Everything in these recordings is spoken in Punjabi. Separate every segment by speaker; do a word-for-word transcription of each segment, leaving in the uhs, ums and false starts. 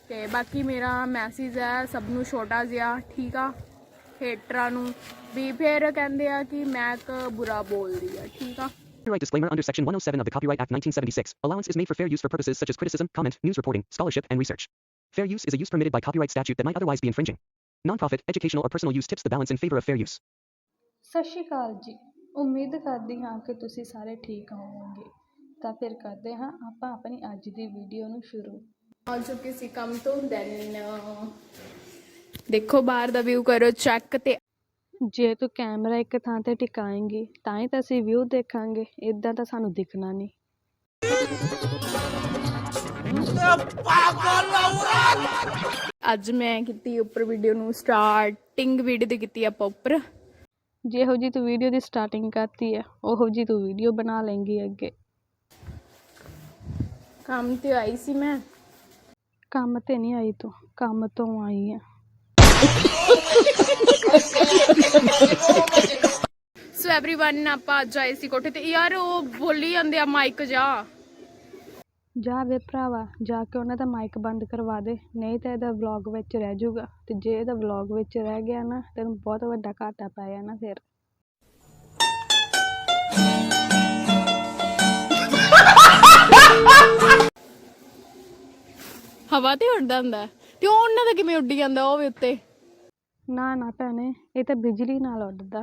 Speaker 1: ਤੇ ਬਾਕੀ ਮੇਰਾ ਮੈਸੇਜ ਹੈ ਸਭ ਨੂੰ ਛੋਟਾ ਜਿਹਾ, ਠੀਕ ਆ, ਹੇਟਰਾਂ ਨੂੰ ਵੀ ਫਿਰ ਕਹਿੰਦੇ ਆ ਕਿ ਮੈਂ ਇੱਕ ਬੁਰਾ ਬੋਲਦੀ ਆ, ਠੀਕ ਆ।
Speaker 2: Copyright disclaimer under Section one oh seven of the Copyright Act nineteen seventy-six. Allowance is made for fair use for purposes such as criticism, comment, news reporting, scholarship, and research. Fair use is a use permitted by copyright statute that might otherwise be infringing. Non-profit, educational, or personal use tips the balance in favor of fair use.
Speaker 3: ਸਤਿ ਸ਼੍ਰੀ ਅਕਾਲ ਜੀ। ਉਮੀਦ ਕਰਦੀ ਹਾਂ ਕਿ ਤੁਸੀਂ ਸਾਰੇ ਠੀਕ ਹੋਵੋਗੇ। ਤਾਂ ਫਿਰ ਕਰਦੇ ਹਾਂ ਆਪਾਂ ਆਪਣੀ ਅੱਜ ਦੀ ਵੀਡੀਓ ਨੂੰ ਸ਼ੁਰੂ।
Speaker 1: ਆ ਚੁੱਕੇ ਸੀ ਕੰਮ ਤੋਂ, ਦੈਨ ਦੇਖੋ ਬਾਹਰ ਦਾ ਵਿਊ ਕਰੋ ਚੈੱਕ। ਤੇ
Speaker 3: ਜੇ ਤੂੰ ਕੈਮਰਾ ਇੱਕ ਥਾਂ ਤੇ ਟਿਕਾਏਂਗੀ ਤਾਂ ਹੀ ਤਾਂ ਅਸੀਂ ਵਿਊ ਦੇਖਾਂਗੇ, ਇਦਾਂ ਤਾਂ ਸਾਨੂੰ ਦਿਖਣਾ ਨਹੀਂ।
Speaker 1: ਅੱਜ ਮੈਂ ਕੀਤੀ ਉੱਪਰ ਵੀਡੀਓ ਨੂੰ ਸਟਾਰਟਿੰਗ ਵੀਡੀਓ ਤੇ ਕੀਤੀ ਆਪਾਂ ਉੱਪਰ।
Speaker 3: ਜਿਹੋ ਜੀ ਤੂੰ ਵੀਡੀਓ ਦੀ ਸਟਾਰਟਿੰਗ ਕਰਤੀ ਹੈ ਉਹੋ ਜੀ ਤੂੰ ਵੀਡੀਓ ਬਣਾ ਲੇਂਗੀ ਅੱਗੇ।
Speaker 1: ਕੰਮ ਤੇ ਆਈ ਸੀ ਮੈਂ।
Speaker 3: ਕੰਮ ਤੇ ਨਹੀਂ ਆਈ ਤੂੰ, ਕੰਮ ਤੋਂ ਆਈ ਆ।
Speaker 1: ਸੋ ਐਵਰੀਵਨ ਆਪਾਂ ਅੱਜ ਆਏ ਸੀ ਕੋਠੇ ਤੇ। ਯਾਰ ਉਹ ਬੋਲੀ ਜਾਂਦੇ ਆ ਮਾਈਕ ਜਾ
Speaker 3: ਜਾ ਵੇ ਭਰਾਵਾ, ਜਾ ਕੇ ਉਹਨਾਂ ਦਾ ਮਾਈਕ ਬੰਦ ਕਰਵਾ ਦੇ, ਨਹੀਂ ਤਾਂ ਇਹਦਾ ਵਲੌਗ ਵਿੱਚ ਰਹਿ ਜਾਊਗਾ। ਤੇ ਜੇ ਇਹਦਾ ਵਲੌਗ ਵਿੱਚ ਰਹਿ ਗਿਆ ਨਾ ਤੈਨੂੰ ਬਹੁਤ ਵੱਡਾ ਘਾਟਾ ਪੈ ਜਾਣਾ ਫਿਰ।
Speaker 1: ਹਵਾ ਤੇ ਉੱਡਦਾ ਹੁੰਦਾ ਤੇ ਉਹ ਉਹਨਾਂ ਦਾ ਕਿਵੇਂ ਉੱਡੀ ਜਾਂਦਾ ਉਹ ਵੀ ਉੱਤੇ?
Speaker 3: ਨਾ ਨਾ ਭੈਣੇ, ਇਹ ਤਾਂ ਬਿਜਲੀ ਨਾਲ ਉੱਡਦਾ।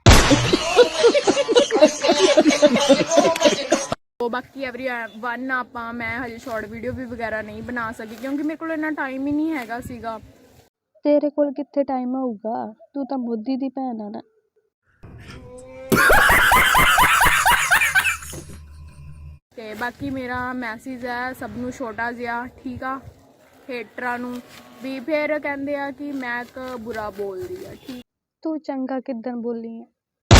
Speaker 1: ਉਹ ਬਾਕੀ ਐਵਰੀਵਨ ਆਪਾਂ ਮੈਂ ਹਜੇ ਸ਼ਾਰਟ ਵੀਡੀਓ ਵੀ ਵਗੈਰਾ ਨਹੀਂ ਬਣਾ ਸਕੀ ਕਿਉਂਕਿ ਮੇਰੇ ਕੋਲ ਇੰਨਾ ਟਾਈਮ ਹੀ ਨਹੀਂ ਹੈਗਾ ਸੀਗਾ।
Speaker 3: ਤੇਰੇ ਕੋਲ ਕਿੱਥੇ ਟਾਈਮ ਹੋਊਗਾ, ਤੂੰ ਤਾਂ ਮੋਦੀ ਦੀ ਭੈਣ ਆ ਨਾ।
Speaker 1: ਤੇ ਬਾਕੀ ਮੇਰਾ ਮੈਸੇਜ ਹੈ ਸਭ ਨੂੰ ਛੋਟਾ ਜਿਹਾ, ਠੀਕ ਆ, ਹੇਟਰਾਂ ਨੂੰ ਵੀ ਫਿਰ ਕਹਿੰਦੇ ਆ ਕਿ ਮੈਂ ਇੱਕ ਬੁਰਾ ਬੋਲਦੀ ਆ, ਠੀਕ।
Speaker 3: ਤੂੰ ਚੰਗਾ ਕਿੱਦਣ ਬੋਲੀ ਆ?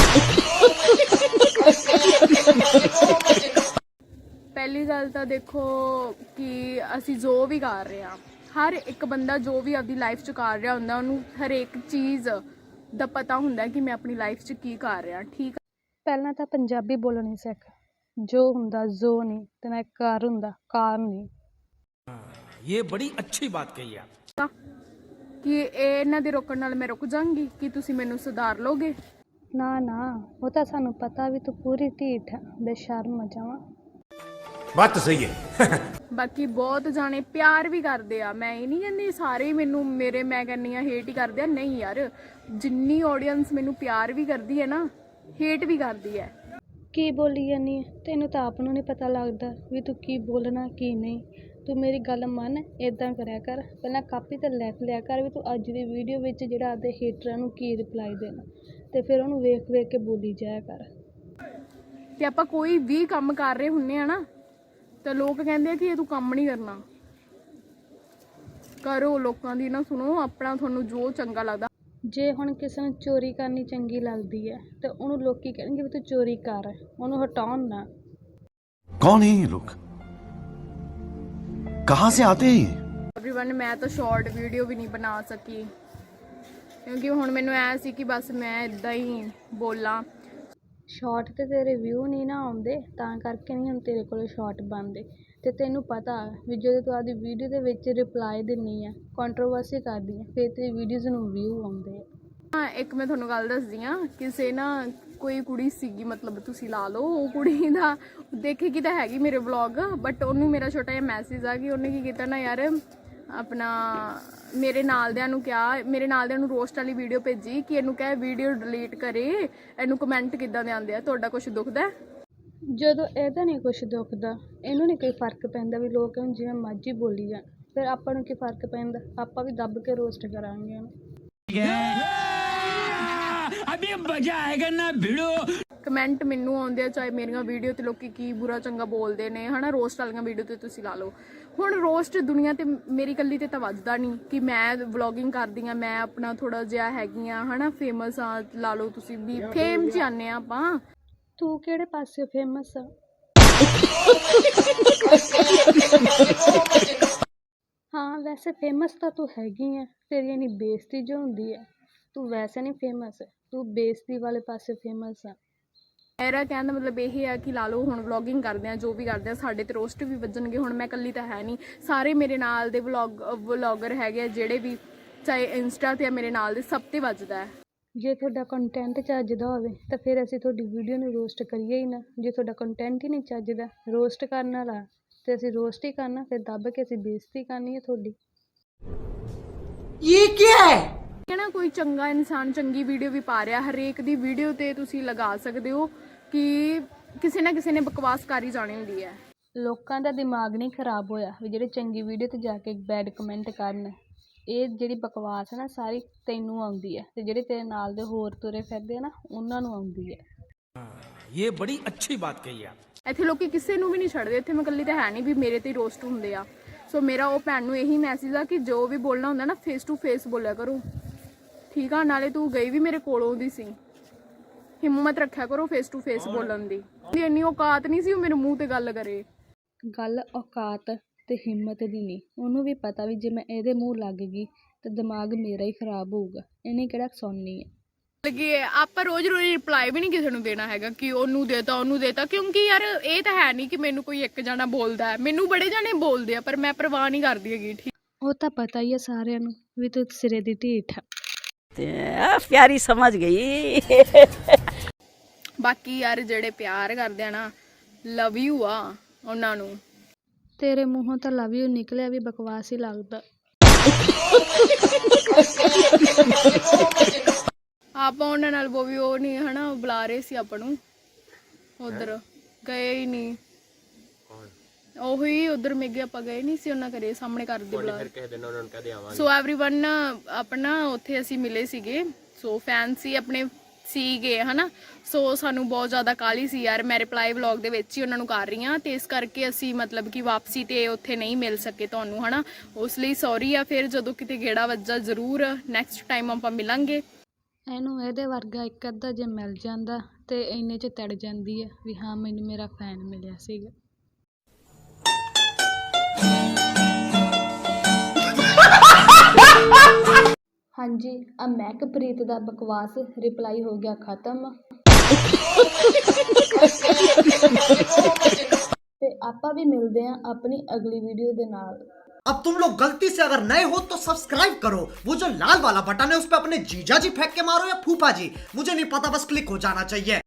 Speaker 1: ਪਹਿਲੀ ਗੱਲ ਤਾਂ ਦੇਖੋ ਕਿ ਅਸੀਂ ਜੋ ਵੀ ਕਰ ਰਹੇ ਹਾਂ, ਹਰ ਇੱਕ ਬੰਦਾ ਜੋ ਵੀ ਆਪਦੀ ਲਾਈਫ 'ਚ ਕਰ ਰਿਹਾ ਹੁੰਦਾ ਉਹਨੂੰ ਹਰੇਕ ਚੀਜ਼ ਦਾ ਪਤਾ ਹੁੰਦਾ ਕਿ ਮੈਂ ਆਪਣੀ ਲਾਈਫ 'ਚ ਕੀ ਕਰ ਰਿਹਾ, ਠੀਕ ਆ।
Speaker 3: ਪਹਿਲਾਂ ਤਾਂ ਪੰਜਾਬੀ ਬੋਲਣੀ ਸਿੱਖ। ਜੋ ਹੁੰਦਾ ਜੋ ਨਹੀਂ ਤੇ ਨਾ ਕਾਰ ਹੁੰਦਾ ਕਾਰ ਨਹੀਂ।
Speaker 4: ਇਹ ਬੜੀ ਅੱਛੀ ਬਾਤ ਕਹੀ ਆ
Speaker 1: ਕਿ ਇਹ ਇਹਨਾਂ ਦੇ ਰੋਕਣ ਨਾਲ ਮੈਂ ਰੁਕ ਜਾਵਾਂਗੀ ਕਿ ਤੁਸੀਂ ਮੈਨੂੰ ਸੁਧਾਰ ਲੋਗੇ?
Speaker 3: ਨਾ ਨਾ, ਉਹ ਤਾਂ ਸਾਨੂੰ ਪਤਾ ਵੀ ਤੂੰ ਪੂਰੀ ਢੀਠ ਆ, ਬੇਸ਼ਰਮ ਜਾਵਾਂ।
Speaker 4: ਬਾਤ ਸਹੀ ਹੈ।
Speaker 1: ਬਾਕੀ ਬਹੁਤ ਜਾਣੇ ਪਿਆਰ ਵੀ ਕਰਦੇ ਆ, ਮੈਂ ਇਹ ਨਹੀਂ ਕਹਿੰਦੀ ਸਾਰੇ ਹੀ ਮੈਨੂੰ ਮੇਰੇ ਮੈਂ ਕਹਿੰਦੀ ਆ ਹੇਟ ਹੀ ਕਰਦੇ ਆ, ਨਹੀਂ ਯਾਰ, ਜਿੰਨੀ ਆਡੀਅנס ਮੈਨੂੰ ਪਿਆਰ ਵੀ ਕਰਦੀ ਹੈ ਨਾ ਹੇਟ ਵੀ ਕਰਦੀ ਹੈ।
Speaker 3: ਕੀ ਬੋਲੀ ਜਾਨੀ ਹੈ? ਤੈਨੂੰ ਤਾਂ ਆਪ ਨੂੰ ਨਹੀਂ ਪਤਾ ਲੱਗਦਾ ਵੀ ਤੂੰ ਕੀ ਬੋਲਣਾ ਕੀ ਨਹੀਂ। ਤੂੰ ਮੇਰੀ ਗੱਲ ਮੰਨ, ਇੱਦਾਂ ਕਰਿਆ ਕਰ, ਪਹਿਲਾਂ ਕਾਪੀ ਤੇ ਲਿਖ ਲਿਆ ਕਰ ਵੀ ਤੂੰ ਅੱਜ ਦੀ ਵੀਡੀਓ ਵਿੱਚ ਜਿਹੜਾ ਆਪਦੇ ਹੇਟਰਾਂ ਨੂੰ ਕੀ ਰਿਪਲਾਈ ਦੇਣਾ, ਤੇ ਫਿਰ ਉਹਨੂੰ ਵੇਖ ਵੇਖ ਕੇ ਬੋਲੀ ਜਾਇਆ ਕਰ।
Speaker 1: ਤੇ ਆਪਾਂ ਕੋਈ ਵੀ ਕੰਮ ਕਰ ਰਹੇ ਹੁੰਨੇ ਆ ਨਾ ਤਾਂ ਲੋਕ ਕਹਿੰਦੇ ਆ ਕਿ ਇਹ ਤੂੰ ਕੰਮ ਨਹੀਂ ਕਰਨਾ। ਕਰੋ, ਲੋਕਾਂ ਦੀ ਨਾ ਸੁਣੋ, ਆਪਣਾ ਤੁਹਾਨੂੰ ਜੋ ਚੰਗਾ ਲੱਗਦਾ।
Speaker 3: ਜੇ ਹੁਣ ਕਿਸੇ ਨੂੰ ਚੋਰੀ ਕਰਨੀ ਚੰਗੀ ਲੱਗਦੀ ਹੈ ਤੇ ਉਹਨੂੰ ਲੋਕੀ ਕਹਿਣਗੇ ਵੀ ਤੂੰ ਚੋਰੀ ਕਰ, ਉਹਨੂੰ ਹਟਾਉਣ ਨਾ।
Speaker 5: कौन है ये लोग, कहाँ से आते हैं ये?
Speaker 1: ਐਵਰੀਵਨ ਮੈਂ ਤਾਂ ਸ਼ਾਰਟ ਵੀਡੀਓ ਵੀ ਨਹੀਂ ਬਣਾ ਸਕੀ ਕਿਉਂਕਿ ਹੁਣ ਮੈਨੂੰ ਐ ਸੀ ਕਿ ਬਸ ਮੈਂ ਇਦਾਂ ਹੀ ਬੋਲਾਂ।
Speaker 3: ਸ਼ਾਰਟ ਤੇ ਤੇਰੇ ਵਿਊ ਨਹੀਂ ਨਾ ਆਉਂਦੇ ਤਾਂ ਕਰਕੇ ਨਹੀਂ ਹੁਣ ਤੇਰੇ ਕੋਲ ਸ਼ਾਰਟ ਬਣਦੇ। ਤੇ ਤੈਨੂੰ ਪਤਾ ਵੀ ਜਦੋਂ ਤੂੰ ਆਪਦੀ ਵੀਡੀਓ ਦੇ ਵਿੱਚ ਰਿਪਲਾਈ ਦਿੰਦੀ ਆ, ਕੰਟਰੋਵਰਸੀ ਕਰਦੀ ਆ, ਫਿਰ ਤੇਰੀ ਵੀਡੀਓਜ਼ ਨੂੰ ਵਿਊ ਆਉਂਦੇ ਆ।
Speaker 1: ਹਾਂ, ਇੱਕ ਮੈਂ ਤੁਹਾਨੂੰ ਗੱਲ ਦੱਸਦੀ ਹਾਂ, ਕਿਸੇ ਨਾ ਕੋਈ ਕੁੜੀ ਸੀਗੀ, ਮਤਲਬ ਤੁਸੀਂ ਲਾ ਲਓ, ਉਹ ਕੁੜੀ ਦਾ ਦੇਖੇਗੀ ਤਾਂ ਹੈਗੀ ਮੇਰੇ ਵਲੌਗ, ਬਟ ਉਹਨੂੰ ਮੇਰਾ ਛੋਟਾ ਜਿਹਾ ਮੈਸੇਜ ਆ ਕਿ ਉਹਨੇ ਕੀ ਕੀਤਾ ਨਾ ਯਾਰ, ਆਪਣਾ ਮੇਰੇ ਨਾਲਦਿਆਂ ਨੂੰ ਕਿਹਾ, ਮੇਰੇ ਨਾਲਦਿਆਂ ਨੂੰ ਰੋਸਟ ਵਾਲੀ ਵੀਡੀਓ ਭੇਜੀ ਕਿ ਇਹਨੂੰ ਕਹਿ ਵੀਡੀਓ ਡਿਲੀਟ ਕਰੇ, ਇਹਨੂੰ ਕਮੈਂਟ ਕਿੱਦਾਂ ਦੇ ਆਉਂਦੇ ਆ, ਤੁਹਾਡਾ ਕੁਛ ਦੁਖਦਾ?
Speaker 3: ਜਦੋਂ ਇਹਦਾ ਨਹੀਂ ਕੁਛ ਦੁਖਦਾ, ਇਹਨੂੰ ਨਹੀਂ ਕੋਈ ਫਰਕ ਪੈਂਦਾ ਵੀ ਲੋਕ ਇਹਨੂੰ ਜਿਵੇਂ ਮਰਜ਼ੀ ਬੋਲੀ ਜਾਣ, ਫਿਰ ਆਪਾਂ ਨੂੰ ਕੀ ਫਰਕ ਪੈਂਦਾ? ਆਪਾਂ ਵੀ ਦੱਬ ਕੇ ਰੋਸਟ ਕਰਾਂਗੇ ਉਹਨੂੰ।
Speaker 4: ਅਭੀ ਮਜ਼ਾ ਆਏਗਾ ਨਾ ਭਿੜੋ।
Speaker 1: ਕਮੈਂਟ ਮੈਨੂੰ ਆਉਂਦੇ ਆ ਚਾਹੇ ਮੇਰੀਆਂ ਵੀਡੀਓ ਤੇ ਲੋਕੀ ਕੀ ਬੁਰਾ ਚੰਗਾ ਬੋਲਦੇ ਨੇ, ਹਨਾ, ਰੋਸਟ ਵਾਲੀਆਂ ਵੀਡੀਓ ਤੇ ਤੁਸੀਂ ਲਾ ਲਓ। ਹੁਣ ਰੋਸਟ ਦੁਨੀਆ ਤੇ ਮੇਰੀ ਇਕੱਲੀ ਤੇ ਤਾਂ ਵੱਜਦਾ ਨਹੀਂ ਕਿ ਮੈਂ ਵਲੌਗਿੰਗ ਕਰਦੀ ਹਾਂ, ਮੈਂ ਆਪਣਾ ਥੋੜਾ ਜਿਹਾ ਹੈਗੀ ਆ, ਹਨਾ, ਫੇਮਸ ਆ, ਲਾ ਲਓ ਤੁਸੀਂ ਵੀ, ਫੇਮ 'ਚ ਆਉਂਦੇ ਆ ਆਪਾਂ।
Speaker 3: ਤੂੰ ਕਿਹੜੇ ਪਾਸੇ ਫੇਮਸ ਆ? ਹਾਂ ਵੈਸੇ ਫੇਮਸ ਤਾਂ ਤੂੰ ਹੈਗੀ ਆ, ਤੇਰੀ ਇੰਨੀ ਬੇਇੱਜ਼ਤੀ ਜੋ ਹੁੰਦੀ ਹੈ, ਤੂੰ ਵੈਸੇ ਨਹੀਂ ਫੇਮਸ, ਤੂੰ ਬੇਇੱਜ਼ਤੀ ਵਾਲੇ ਪਾਸੇ ਫੇਮਸ ਆ।
Speaker 1: ਮੇਰਾ ਕਹਿਣ ਦਾ ਮਤਲਬ ਇਹ ਹੈ ਕਿ ਲਾ ਲਓ ਹੁਣ ਵਲੌਗਿੰਗ ਕਰਦੇ ਆ, ਜੋ ਵੀ ਕਰਦੇ ਆ, ਸਾਡੇ ਤੇ ਰੋਸਟ ਵੀ ਵੱਜਣਗੇ। ਹੁਣ ਮੈਂ ਇਕੱਲੀ ਤਾਂ ਹੈ ਨਹੀਂ, ਸਾਰੇ ਮੇਰੇ ਨਾਲ ਦੇ ਵਲੌਗ ਵਲੌਗਰ ਹੈਗੇ ਆ ਜਿਹੜੇ ਵੀ, ਚਾਹੇ ਇੰਸਟਾ ਤੇ ਆ ਮੇਰੇ ਨਾਲ ਦੇ, ਸਭ ਤੇ ਵੱਜਦਾ ਹੈ।
Speaker 3: ਜੇ ਤੁਹਾਡਾ ਕੰਟੈਂਟ ਚੱਜਦਾ ਹੋਵੇ ਤਾਂ ਫਿਰ ਅਸੀਂ ਤੁਹਾਡੀ ਵੀਡੀਓ ਨੂੰ ਰੋਸਟ ਕਰੀਏ ਹੀ ਨਾ। ਜੇ ਤੁਹਾਡਾ ਕੰਟੈਂਟ ਹੀ ਨਹੀਂ ਚੱਜਦਾ, ਰੋਸਟ ਕਰਨ ਵਾਲਾ, ਤੇ ਅਸੀਂ ਰੋਸਟ ਹੀ ਕਰਨਾ, ਫਿਰ ਦੱਬ ਕੇ ਅਸੀਂ ਬੇਇੱਜ਼ਤੀ ਕਰਨੀ ਹੈ ਤੁਹਾਡੀ।
Speaker 6: ਇਹ ਕੀ ਹੈ
Speaker 1: ਹੈ ਨਾ, ਕੋਈ ਚੰਗਾ ਇਨਸਾਨ ਚੰਗੀ ਵੀਡੀਓ ਵੀ ਪਾ ਰਿਹਾ, ਹਰੇਕ ਦੀ ਵੀਡੀਓ ਤੇ ਤੁਸੀਂ ਲਗਾ ਸਕਦੇ ਹੋ ਕਿ ਕਿਸੇ ਨਾ ਕਿਸੇ ਨੇ ਬਕਵਾਸ ਕਰ ਹੀ ਜਾਣੀ ਹੁੰਦੀ ਹੈ।
Speaker 3: ਲੋਕਾਂ ਦਾ ਦਿਮਾਗ ਨਹੀਂ ਖਰਾਬ ਹੋਇਆ ਵੀ ਜਿਹੜੇ ਚੰਗੀ ਵੀਡੀਓ ਤੇ ਜਾ ਕੇ ਬੈਡ ਕਮੈਂਟ ਕਰਨ। ਇਹ ਜਿਹੜੀ ਬਕਵਾਸ ਹੈ ਨਾ ਸਾਰੀ ਤੈਨੂੰ ਆਉਂਦੀ ਹੈ, ਤੇ ਜਿਹੜੇ ਤੇਰੇ ਨਾਲ ਦੇ ਹੋਰ ਤੁਰੇ ਫਿਰਦੇ ਆ ਨਾ ਉਹਨਾਂ ਨੂੰ ਆਉਂਦੀ ਹੈ।
Speaker 4: ये बड़ी अच्छी बात कही आप।
Speaker 1: ਇੱਥੇ ਲੋਕੀ ਕਿਸੇ ਨੂੰ ਵੀ ਨਹੀਂ ਛੱਡਦੇ, ਇੱਥੇ ਮੈਂ ਇਕੱਲੀ ਤਾਂ ਹੈ ਨਹੀਂ ਵੀ ਮੇਰੇ ਤੇ ਰੋਸਟ ਹੁੰਦੇ ਆ। ਸੋ ਮੇਰਾ ਉਹ ਭੈਣ ਨੂੰ ਇਹੀ ਮੈਸੇਜ ਆ ਕਿ ਜੋ ਵੀ ਬੋਲਣਾ ਹੁੰਦਾ ਨਾ ਫੇਸ ਟੂ ਫੇਸ ਬੋਲਿਆ ਕਰੋ, ਠੀਕ ਆ। ਨਾਲੇ ਤੂੰ ਗਈ ਵੀ ਮੇਰੇ ਕੋਲੋਂ ਦੀ ਸੀ, ਹਿੰਮਤ ਰੱਖਿਆ ਕਰੋ ਫੇਸ ਟੂ ਫੇਸ ਬੋਲਣ ਦੀ। ਇੰਨੀ ਔਕਾਤ ਨਹੀਂ ਸੀ ਉਹ ਮੇਰੇ ਮੂੰਹ ਤੇ ਗੱਲ ਕਰੇ।
Speaker 3: ਗੱਲ ਔਕਾਤ ਤੇ ਹਿੰਮਤ ਦੀ ਨਹੀਂ, ਉਹਨੂੰ ਵੀ ਪਤਾ ਵੀ ਜੇ ਮੈਂ ਇਹਦੇ ਮੂੰਹ ਲੱਗ ਗਈ ਤਾਂ ਦਿਮਾਗ ਮੇਰਾ ਹੀ ਖਰਾਬ ਹੋਊਗਾ, ਇਹਨੇ ਕਿਹੜਾ ਸੁਣਨੀ ਹੈ।
Speaker 1: ਲੱਗੀ ਆਪਾਂ ਰੋਜ਼ ਰੋਜ਼ ਰਿਪਲਾਈ ਵੀ ਨਹੀਂ ਕਿਸੇ ਨੂੰ ਦੇਣਾ ਹੈਗਾ ਕਿ ਉਹਨੂੰ ਦੇਤਾ ਉਹਨੂੰ ਦੇਤਾ, ਕਿਉਂਕਿ ਯਾਰ ਇਹ ਤਾਂ ਹੈ ਨਹੀਂ ਕਿ ਮੈਨੂੰ ਕੋਈ ਇੱਕ ਜਣਾ ਬੋਲਦਾ ਹੈ, ਮੈਨੂੰ ਬੜੇ ਜਣੇ ਬੋਲਦੇ ਆ, ਪਰ ਮੈਂ ਪਰਵਾਹ ਨਹੀਂ ਕਰਦੀ ਹੈਗੀ। ਠੀਕ,
Speaker 3: ਉਹ ਤਾਂ ਪਤਾ ਹੀ ਹੈ ਸਾਰਿਆਂ ਨੂੰ ਵੀ ਤੂੰ ਸਿਰੇ ਦੀ ਢੀਠ ਆ।
Speaker 6: प्यारी समझ गई।
Speaker 1: ਬਾਕੀ ਯਾਰ ਜਿਹੜੇ ਪਿਆਰ ਕਰਦੇ ਆ ਨਾ, ਲਵ ਯੂ ਆ ਉਹਨਾਂ ਨੂੰ।
Speaker 3: ਤੇਰੇ ਮੂੰਹੋਂ ਤਾਂ ਲਵ ਯੂ ਨਿਕਲਿਆ ਵੀ ਬਕਵਾਸ ਹੀ ਲੱਗਦਾ।
Speaker 1: ਆਪਾਂ ਉਹਨਾਂ ਨਾਲ ਉਹ ਵੀ ਉਹ ਨਹੀਂ ਹਨਾ ਬੁਲਾ ਰਹੇ ਸੀ ਆਪਾਂ ਨੂੰ, ਉਧਰ ਗਏ ਹੀ ਨਹੀਂ। ਉਹੀ ਉਧਰ ਮੇਗੇ ਆਪਾਂ ਗਏ ਨਹੀਂ ਸੀ ਉਹਨਾਂ ਘਰੇ, ਸਾਹਮਣੇ ਘਰ ਦੇ ਬੁਲਾ। ਸੋ ਐਵਰੀਵਨ ਆਪਣਾ ਉੱਥੇ ਅਸੀਂ ਮਿਲੇ ਸੀਗੇ, ਸੋ ਫੈਨ ਸੀ ਆਪਣੇ ਸੀਗੇ ਹਨਾ। ਸੋ ਸਾਨੂੰ ਬਹੁਤ ਜ਼ਿਆਦਾ ਕਾਹਲੀ ਸੀ ਯਾਰ, ਮੈਂ ਰਿਪਲਾਈ ਵਲੌਗ ਦੇ ਵਿੱਚ ਹੀ ਉਹਨਾਂ ਨੂੰ ਕਰ ਰਹੀ ਹਾਂ, ਤੇ ਇਸ ਕਰਕੇ ਅਸੀਂ ਮਤਲਬ ਕਿ ਵਾਪਸੀ ਤੇ ਉੱਥੇ ਨਹੀਂ ਮਿਲ ਸਕੇ ਤੁਹਾਨੂੰ ਹਨਾ, ਉਸ ਲਈ ਸੌਰੀ ਆ। ਫਿਰ ਜਦੋਂ ਕਿਤੇ ਗੇੜਾ ਵੱਜਾ ਜ਼ਰੂਰ ਨੈਕਸਟ ਟਾਈਮ ਆਪਾਂ ਮਿਲਾਂਗੇ।
Speaker 3: ਇਹਨੂੰ ਇਹਦੇ ਵਰਗਾ ਇੱਕ ਅੱਧਾ ਜੇ ਮਿਲ ਜਾਂਦਾ ਤੇ ਇੰਨੇ 'ਚ ਤੜ ਜਾਂਦੀ ਹੈ ਵੀ ਹਾਂ ਮੈਨੂੰ ਮੇਰਾ ਫੈਨ ਮਿਲਿਆ ਸੀਗਾ। ਹਾਂਜੀ, ਆ ਮਹਿਕਪ੍ਰੀਤ ਦਾ ਬਕਵਾਸ ਰਿਪਲਾਈ ਹੋ ਗਿਆ ਖਤਮ। ਤੇ ਆਪਾਂ ਵੀ ਮਿਲਦੇ ਹਾਂ ਆਪਣੀ ਅਗਲੀ ਵੀਡੀਓ ਦੇ ਨਾਲ।
Speaker 6: अब तुम लोग गलती से अगर नए हो तो सब्सक्राइब करो, वो जो लाल वाला बटन है उस पर अपने जीजा जी फेंक के मारो या फूफा जी, मुझे नहीं पता, बस क्लिक हो जाना चाहिए।